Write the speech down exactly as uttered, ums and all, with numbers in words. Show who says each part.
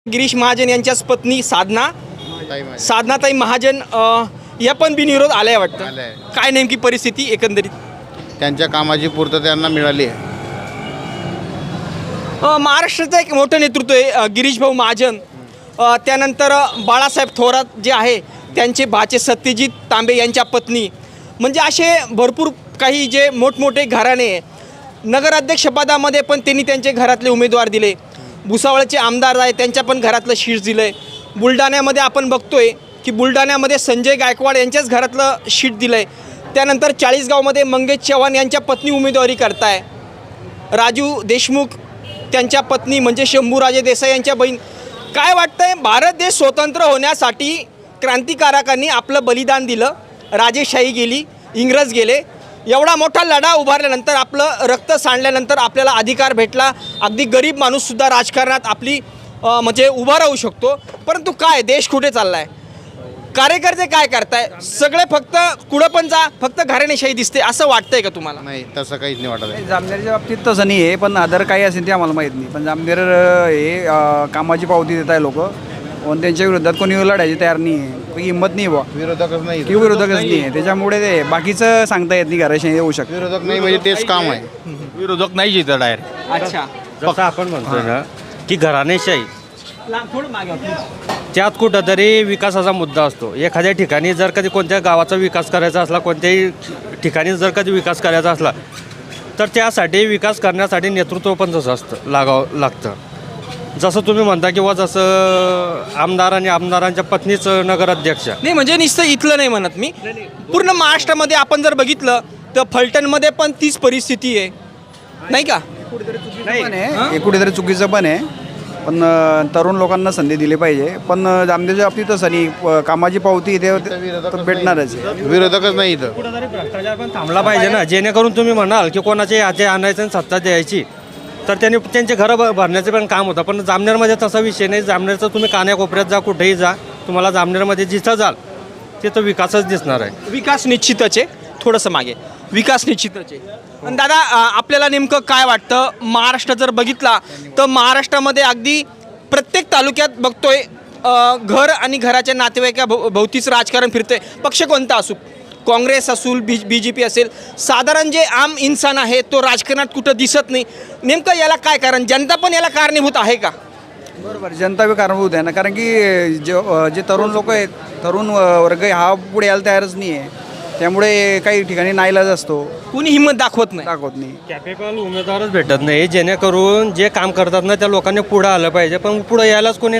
Speaker 1: गिरीश महाजन यांच्याच पत्नी साधना
Speaker 2: ताई माझी.
Speaker 1: साधनाताई महाजन अ, या पण बिनविरोध आल्या वाटतं.
Speaker 2: आल्या आहे.
Speaker 1: काय नेमकी परिस्थिती एकंदरीत?
Speaker 2: त्यांच्या कामाची पूर्तता त्यांना मिळाली आहे.
Speaker 1: अ, महाराष्ट्राचं एक मोठं नेतृत्व आहे अ, गिरीश भाऊ महाजन. अ, त्यानंतर अ, बाळासाहेब थोरात जे आहे त्यांचे भाचे सत्यजित तांबे यांच्या पत्नी, म्हणजे असे भरपूर काही जे मोठमोठे घराणे आहे. नगराध्यक्षपदामध्ये पण त्यांनी त्यांचे घरातले उमेदवार दिले. भुसावळचे आमदार आहे त्यांच्या पण घरातलं शीट दिलं आहे. बुलढाण्यामध्ये आपण बघतोय की बुलढाण्यामध्ये संजय गायकवाड यांच्याच घरातलं शीट दिलं आहे. त्यानंतर चाळीसगावमध्ये मंगेश चव्हाण यांच्या पत्नी उमेदवारी करताय. राजू देशमुख त्यांच्या पत्नी म्हणजे शंभूराजे देसाई यांच्या बहीण. काय वाटतंय, भारत देश स्वतंत्र होण्यासाठी क्रांतिकारकांनी आपलं बलिदान दिलं, राजेशाही गेली, इंग्रज गेले, एवढा मोठा लढा उभारल्यानंतर आपलं रक्त सांडल्यानंतर आपल्याला अधिकार भेटला. अगदी गरीब माणूससुद्धा राजकारणात आपली अ, म्हणजे उभा राहू शकतो. परंतु काय देश कुठे चालला आहे? कार्यकर्ते काय करताय? सगळे फक्त कुठं पण जा, फक्त घराणेशाही दिसते असं वाटतंय का तुम्हाला?
Speaker 2: नाही, तसं काहीच नाही वाटत आहे.
Speaker 3: जामनेरच्या बाबतीत तसं नाही आहे, पण अदर काही असेल ते आम्हाला माहीत नाही. पण जामनेर अ, हे अ, कामाची पावती देत आहे लोक, पण त्यांच्या विरोधात कोणी लढायची तयार नाही आहे, काही हिंमत नाही बा,
Speaker 2: विरोधकच नाही.
Speaker 3: किंवा विरोधकच नाही आहे. त्याच्यामुळे ते बाकीचं सांगता येत नाही, घराशी येऊ शकतं.
Speaker 2: विरोधक नाही म्हणजे तेच काम आहे.
Speaker 4: विरोधक नाही जिथं डायरेक्ट.
Speaker 1: अच्छा,
Speaker 4: जसं आपण म्हणतो ना की घराणेशाही,
Speaker 1: लांब थोडं मागे व्हा.
Speaker 4: त्यात कुठंतरी विकासाचा मुद्दा असतो. एखाद्या ठिकाणी जर कधी कोणत्या गावाचा विकास करायचा असला, कोणत्याही ठिकाणी जर कधी विकास करायचा असला, तर त्यासाठी विकास करण्यासाठी नेतृत्व पण तसं असतं, लागावं लागतं. जसं तुम्ही म्हणता किंवा जसं आमदार आणि आमदारांच्या पत्नीच नगराध्यक्ष.
Speaker 1: नाही म्हणजे नुसतं इथलं नाही म्हणत मी, पूर्ण महाराष्ट्रामध्ये आपण जर बघितलं तर फलटणमध्ये पण तीच परिस्थिती आहे, नाही का?
Speaker 3: पण आहे, हे कुठेतरी चुकीचं पण आहे. पण अ, तरुण लोकांना संधी दिली पाहिजे. पण अ, जामनेरच्या बाबतीत तसं नाही, प- कामाची पावती ते तर भेटणारच आहे.
Speaker 2: विरोधकच नाही इथं.
Speaker 4: कुठंतरी भ्रष्टाचार पण थांबला पाहिजे ना, जेणेकरून तुम्ही म्हणाल की कोणाचे हाते आणायचं आणि सत्ता द्यायची, तर त्यांनी त्यांचे घरं भ भरण्याचे पण काम होतं. पण जामनेरमध्ये तसा विषय नाही. जामनेरचं तुम्ही कान्याकोपऱ्यात जा, कुठेही जा, तुम्हाला जामनेरमध्ये जिथं जाल तिथं विकासच दिसणार आहे.
Speaker 1: विकास निश्चितच आहे, थोडंसं मागे विकास निश्चितच आहे. आणि दादा अ, आपल्याला नेमकं काय वाटतं, महाराष्ट्र जर बघितला तर महाराष्ट्रामध्ये अगदी प्रत्येक तालुक्यात बघतोय अ, घर आणि घराच्या नातेवाईका भो भोवतीच राजकारण फिरतंय. पक्ष कोणता असू, काँग्रेस असूल, बी बी जे पी असेल, साधारण जे आम इन्सान आहे तो राजकारणात कुठं दिसत नाही. नेमकं याला काय कारण, जनता पण याला कारणीभूत आहे का?
Speaker 3: बरोबर, जनता बी कारणीभूत आहे ना, कारण की जे अ, जे तरुण लोक आहेत, तरुण अ, वर्ग आहे, हा पुढे यायला तयारच नाही आहे. त्यामुळे काही ठिकाणी नाईलाज असतो,
Speaker 1: कुणी हिंमत दाखवत नाही.
Speaker 3: दाखवत नाही.
Speaker 4: कॅपेबल उमेदवारच भेटत नाही, जेणेकरून जे काम करतात ना त्या लोकांनी पुढं आलं पाहिजे, पण पुढं यायलाच कोणी